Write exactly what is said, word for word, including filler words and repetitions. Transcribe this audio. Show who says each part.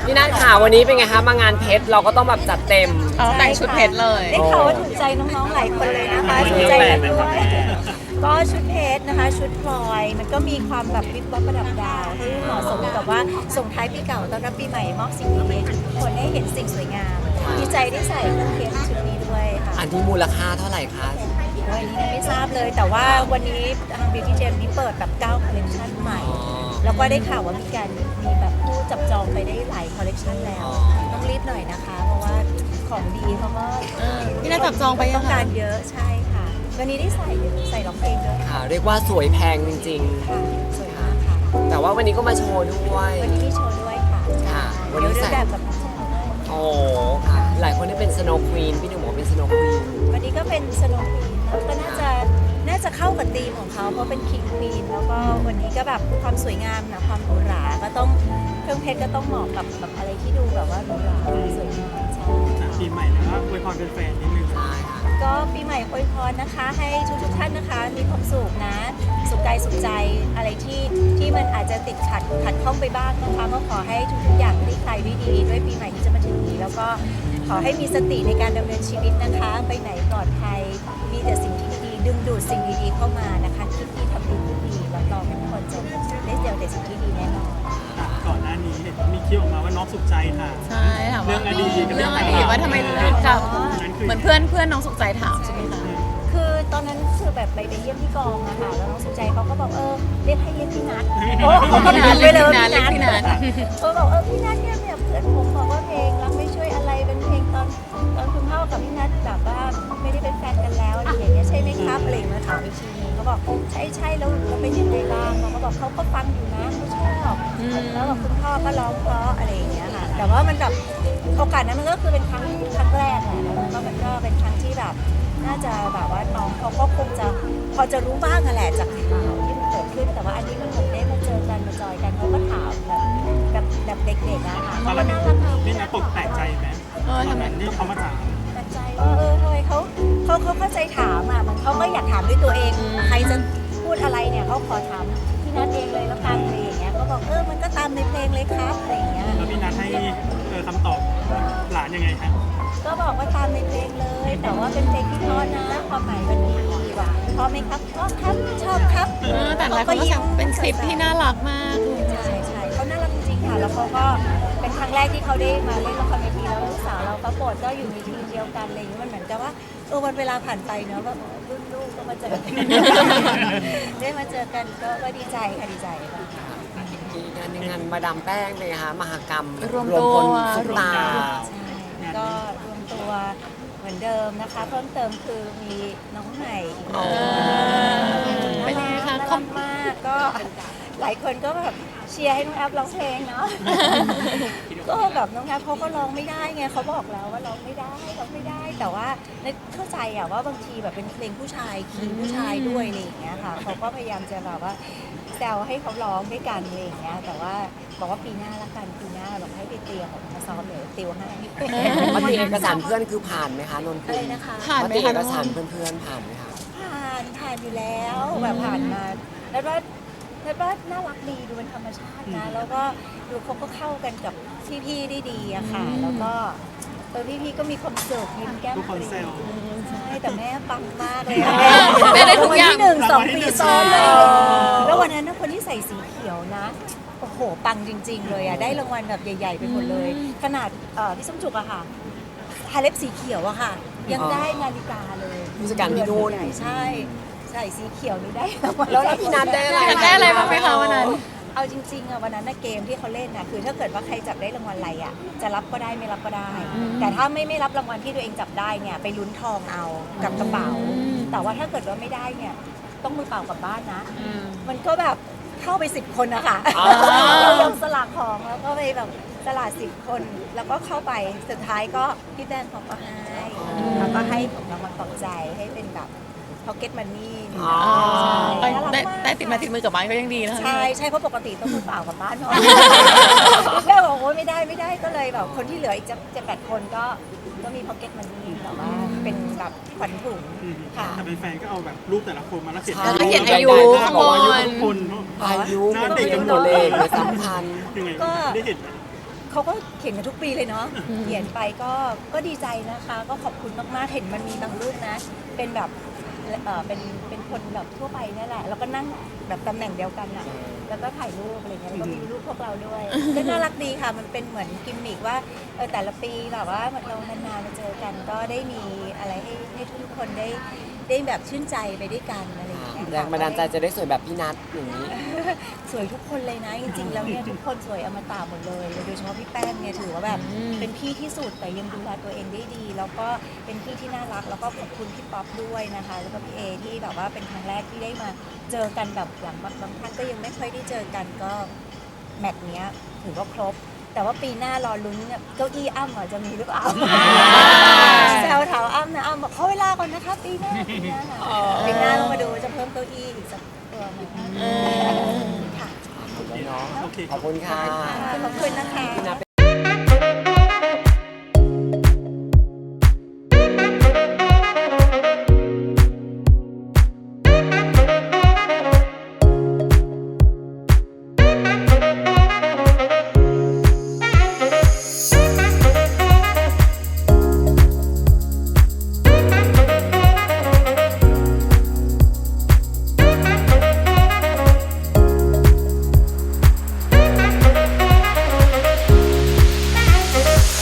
Speaker 1: พี่นัทค่ะวันนี้เป็นไงคะมางานเพชรเราก็ต้องแบบจัดเต็ม
Speaker 2: แต่งชุดเพชรเลย
Speaker 3: ได้ข่าวว่าถูกใจน้องๆหลายคนเลยนะคะถูกใจกันด้วยก็ชุดเพชรนะคะชุดพลอยมันก็มีความแบบวิบวับประดับดาวให้เหมาะสมกับว่าส่งท้ายปีเก่าต้อนรับปีใหม่มอบสิ่งดีๆให้ทุกคนได้เห็นสิ่งสวยงามดีใจได้ใส่เครื่องเพชรชุดนี้ด้วยค่ะ
Speaker 1: อันที่มูลค่าเท่าไหร่คะ
Speaker 3: วันนี้ไม่ทราบเลยแต่ว่าวันนี้ทาง Beauty Gem นี้เปิดแบบเก้าคอลเลคชันใหม่ แล้วก็ได้ข่าวว่ามีการมีแบบผู้จับจองไปได้หลายคอลเลคชันแล้วต้องรีบหน่อยนะคะ เพราะว่าของดีเขาก็
Speaker 2: พี่นัทจับจองไปยั
Speaker 3: ต้อง ง
Speaker 2: คะ
Speaker 3: การเยอะใช่ค่ะ วันนี้ได้ใส่ใส่ร้องเพลงด้วยค่ะ
Speaker 1: ค่ะเรียกว่าสวยแพงจริง
Speaker 3: ค่ะสวยมากค่ะ
Speaker 1: ๆ แต่ว่าวันนี้ก็มาโชว์ด้วย
Speaker 3: วันนี้มีโชว์ด้วยค่ะ
Speaker 1: ค่ะวัน
Speaker 3: เดี๋
Speaker 1: นี้
Speaker 3: ยวเดิ
Speaker 1: ใส่
Speaker 3: นแบบกับโชว์ด้วย
Speaker 1: โอ้ค่ะ หลายคนได้เป็นสโนว์ควีนพี่หนึ่งบอกเป็นสโนว์ควีน
Speaker 3: วันนี้ก็เป็นสโนว์ควีนแล้วก็น่าจะน่าจะเข้ากับธีมของเขาเพราะเป็นคิงควีนแล้วก็วันนี้ก็แบบความสวยงามนะความหรูหราก็ต้องเครื่องเพชรก็ต้องเหมาะกับแบบอะไรที่ดูแบบว่าหรูหราสวยงามใช่ค่ะ
Speaker 4: ปีใหม่แล้วก็อวยพรเป็นแฟนนิดนึง
Speaker 1: ใช่ค่ะ
Speaker 3: ก็ปีใหม่อวยพรนะคะ ให้ทุกทุกๆท่านนะคะ มีความสุขนะ สุขกายสุขใจอะไรที่ที่มันอาจจะติดขัดขัดข้องไปบ้างนะคะก็ขอให้ทุกๆอย่างคลี่คลายด้วยดีด้วยปีใหม่ที่จะมาถึงนี้ แล้วก็ขอให้มีสติในการดำเนินชีวิตนะคะ ไปไหนปลอดภัยมีแต่สิ่งที่ดีๆดึงดูดสิ่งดีๆเข้ามานะคะคิดดีทำดีพูดดีรับรองทุกคนจะได้เจอแต่สิ่งที่ดีแน่นอน
Speaker 4: ก่อนหน้านี้เห็นมีคิวออกมาว่าน้องสุขใจค่ะ
Speaker 2: ใช่ถามว่า
Speaker 4: เรื่องอดีตกับเรื่
Speaker 2: เรื่
Speaker 4: อ
Speaker 2: อง ง
Speaker 4: ต่า
Speaker 2: อง
Speaker 4: ๆ
Speaker 2: ดีตว่าทำไมถึงเลือกกับ
Speaker 4: นั้นคือ
Speaker 2: เหมือนเพื่อนเพื่อนน้องสุขใจถามใช่ไหมคะ
Speaker 3: คือตอนนั้นคือแบบไปไปเยี่ยมที่กองอะค่ะแล้วน้องสุใจเขาก็บอกเออเรียกให้เรียกพี่นัทโอ้เขาก็
Speaker 2: พี่
Speaker 3: พิ
Speaker 2: นั
Speaker 3: ม
Speaker 2: ท
Speaker 3: พ์ไปเลยว่า
Speaker 2: เรียกพี่
Speaker 3: พี่
Speaker 2: นั
Speaker 3: นั
Speaker 2: ท
Speaker 3: ทเขาบอกเออพี่นัทเนี่ยเนี่ยเพื่อนผมบอกว่าเพลงรักไม่ช่วยอะไรเป็นเพลงตอนตอนคุณพ่อกับพี่นัทแบบว่าไม่ได้เป็นแฟนกันแล้วอะไรอย่างเงี้ยใช่ไหมครับอะไรอย่างเงี้ยถามอีกทีนึงเขาบอกใช่ใช่แล้วแล้วเป็นยังไงบ้างเขาก็บอกเขาก็ฟังอยู่นะเขาชอบแล้วแบบคุณพ่อก็ร้องเพราะอะไรอย่างเงี้ยค่ะแต่ว่ามันแบบโอกาสนั้นมันก็คือเป็นครั้งครั้งแรกแหละแล้วมันก็มันก็เป็นครั้งที่แบบ น่าจะแบบว่าน้องเขาก็คงจะพอจะรู้บ้างอะแหละจากข่าวที่มันเกิดขึ้นแต่ว่าอันนี้มันเหมือนได้มาเจอกันมาจอยกันเขาก็ถามแบบแบบแบบเด็กๆอะค่ะ
Speaker 4: ตอน
Speaker 3: เขา
Speaker 4: แร
Speaker 3: ก็
Speaker 4: ก
Speaker 3: น่ารักดี
Speaker 4: นี่นะตกแปลกใจไหม
Speaker 2: เออทำไม
Speaker 4: ที่เขามาถาม
Speaker 3: แปลกใจว่าเออทำไมเขาเขาเขาเข้าใจถามอะมันเขาก็อยากถามด้วยตัวเอง ใครจะพูดอะไรเนี่ยเขาขอถามพี่นัทเองเลยแล้วกันอะไรอย่างเงี้ยเขาบอกเออมันก็ตามในเพลงเลยครับอะไรอย่างเงี้ย
Speaker 4: แล้วพี่นัทให้เออคำตอบหลานยังไงคะ
Speaker 3: ก็บอกว่าตามในเพลงเลย แต่ว่าเป็นเพลงที่เพราะนะความหมายมันดีว่ะเพราะไหมครับชอบครับชอบครับ
Speaker 2: เออแต่หลายคนก็สั่งเป็นคลิปที่น่ารักมากเลย
Speaker 3: ใช่ใช่เขาน่ารักจริงๆค่ะแล้วเขาก็เป็นครั้งแรกที่เขาได้มาเล่นละครเวทีแล้วลูกสาวเราเขาโปรดก็อยู่ในทีมเดียวกันอะไรอย่างเงี้ยมันเหมือนกับว่าเออวันเวลาผ่านไปเนอะแบบรุ่นลูกก็มาเจอกัน ได้มาเจอกันก็ก็ดีใจค่ะดีใจค่ะ
Speaker 1: มีงานหนึ่งงานมาดามแป้งเลยค่ะมหกรรม
Speaker 2: รวม
Speaker 1: พ
Speaker 2: ตัว
Speaker 1: ลซุปตา
Speaker 3: ใช่ก็รวมตัวเหมือนเดิมนะคะ เพิ่มเติมคือมีน้องใหม่อีกคน
Speaker 2: เออเป็นยังไงคะ
Speaker 3: น่ารักมากก็หลายคนก็แบบเชียร์ให้น้องแอฟร้องเพลงเนาะ ก็แบบน้องแอฟเขาก็ร้องไม่ได้ไงเขาบอกแล้วว่าร้องไม่ได้ร้องไม่ได้ แต่ว่าในเข้าใจอะว่าบางทีแบบเป็นเพลงผู้ชายคีย์ผู้ชายด้วยอะไรอย่างเงี้ยค่ะเขาก็พยายามจะแบบว่าแซวให้เขาร้องด้วยกันอะไรอย่างเงี้ยแต่ว่าบอกว่าปีหน้าละกันปีหน้าบอกให้ไปเตรียมมาซ้อมเดี๋ยวติวให้
Speaker 1: มติเอกสารเพื่อนคือผ่านไหมคะนนท์
Speaker 3: อะไรนะคะ
Speaker 2: ผ่าน
Speaker 1: ม
Speaker 2: ไหม
Speaker 1: ติ
Speaker 2: คะ
Speaker 1: เอ
Speaker 2: น้
Speaker 1: ก
Speaker 2: อง
Speaker 1: สารเพื่อนๆผ่านไหมคะ
Speaker 3: ผ่านผ่านอยู่แล้วแบบผ่านมาแล้วว่าแล้วว่าน่ารักดีดูเป็นธรรมชาตินะแล้วก็ดูเขาก็เข้ากันกับพี่ๆได้ดีอะค่ะ แล้วก็เออพี่ๆก็มีความสุขยิ้มแก้ม
Speaker 4: ทุกคน
Speaker 3: ปรี
Speaker 4: แซว
Speaker 3: ใช่แต่แม่ปังมากเลยอะ
Speaker 2: แม่ได้ทุกอย่าง
Speaker 3: รางวัลที่หนึ่งสองปีซ้อนเลย
Speaker 4: อ๋อ
Speaker 3: แล้ววันนั้นนะคนที่ใส่สีเขียวนะโอ้โหปังจริง ๆ เลยอะได้รางวัลแบบใหญ่ๆไปหมดเลย ขนาดเอ่อพี่ส้มจุกอะค่ะฮาเล็บสีเขียวอะค่ะ ยังได้นาฬิกาเลย
Speaker 1: ผู้จัดการพี่นุ่น
Speaker 3: ใช่ใส่สีเขียวนี่ได้รางวัล
Speaker 1: แล้วแล้วพี่นัทได้อะไร
Speaker 2: อยากได้อะไรบ้างไหมคะวันนั้น
Speaker 3: เอาจริงๆอะวันนั้นนะเกมที่เขาเล่นนะคือถ้าเกิดว่าใครจับได้รางวัลอะไรอะจะรับก็ได้ไม่รับก็ได้ แต่ถ้าไม่ไม่รับรางวัลที่ตัวเองจับได้เนี่ยไปลุ้นทองเอากับกระเป๋า แต่ว่าถ้าเกิดว่าไม่ได้เนี่ยต้องมือเปล่ากลับบ้านนะ มันก็แบบเข้าไปสิบคนนะคะ
Speaker 1: อ๋อ
Speaker 3: เราลงสลากของแล้วก็ไปแบบตลาดสิบคน แล้วก็เข้าไปสุดท้ายก็พี่แดนเขาก็ให้แล้วก็ให้ของรางวัลปลอบใจให้เป็นแบบพ็อกเก็ตมันนี่
Speaker 1: อ๋อ
Speaker 2: ได้ได้ได้ติดมาติดมือกลับบ้านก็ยังดีนะคะ
Speaker 3: ใช่ใช่เพราะปกติต้องมือเปล่ากลับบ้านเนาะแม่บอกว่าไม่ได้ไม่ได้ก็เลยแบบคนที่เหลืออีกจะจะแปดคนก็ก็มีพ็อกเก็ตมันนี่แต่ว่าเป็นแบบขวัญถุงค่ะ
Speaker 4: แต่เป็นแฟนก็เอาแบบรูปแต่ละคนมาแล้วเขียน
Speaker 2: แล้วก็เขียนอายุ
Speaker 1: ได้
Speaker 2: ข้าง
Speaker 1: บบ อกว่าอายุ
Speaker 2: น
Speaker 4: ทุกคน
Speaker 1: อายุมันเป็นตัวเลขหรือสำคัญ
Speaker 4: ยังไง
Speaker 3: ก็
Speaker 4: ได้เห็นไหม
Speaker 3: เขาก็เขียนกันทุกปีเลยเนาะเขียนไปก็ก็ดีใจนะคะ ก็ขอบคุณมากๆเห็นมันมีบางรูปนะ เป็นแบบเออเป็นเป็นคนแบบทั่วไปนี่แหละแล้วก็นั่งแบบตำแหน่งเดียวกันอะแล้วก็ถ่ายรูปอะไรเงี้ยแล้วก็มีรูปพวกเราด้วยก็น่ารักดีค่ะมันเป็นเหมือนกิมมิกว่าเออแต่ละปีแบบว่าเรานานๆมาเจอกันก็ได้มีอะไรให้ให้ทุกคนได้ได้แบบชื่นใจไปด้วยกันอะไรอย่างเงี้ย
Speaker 1: แรงบันดาลใจจะได้สวยแบบพี่นัทอย่างนี้
Speaker 3: สวยทุกคนเลยนะจริงๆแล้วเนี่ยทุกคนสวยอมตะหมดเลยโดยเฉพาะพี่แป้งเนี่ยถือว่าแบบเป็นพี่ที่สุดแต่ยังดูแลตัวเองได้ดี แล้วก็เป็นพี่ที่น่ารักแล้วก็ขอบคุณพี่ป๊อปด้วยนะคะแล้วก็พี่เอที่แบบว่าเป็นครั้งแรกที่ได้มาเจอกันแบบอย่างบางบางท่านก็ยังไม่ค่อยได้เจอกันก็แมตช์เนี้ยถือว่าครบ แต่ว่าปีหน้ารอลุ้นเนี่ยเก้าอี้อ้ำอ่ะจะมีหรือเปล่าแซวถามอ้ำนะอ้ำบอกขอเวลาก่อนนะคะปีหน้าปีหน้าปีหน้าลองมาดูจะเพิ่มเก้าอี้อีกสักตัวไหมค่ะ
Speaker 1: ขอบคุณเนาะ
Speaker 4: โอเค
Speaker 1: ขอบคุณค่ะ
Speaker 3: ขอบคุณนะคะ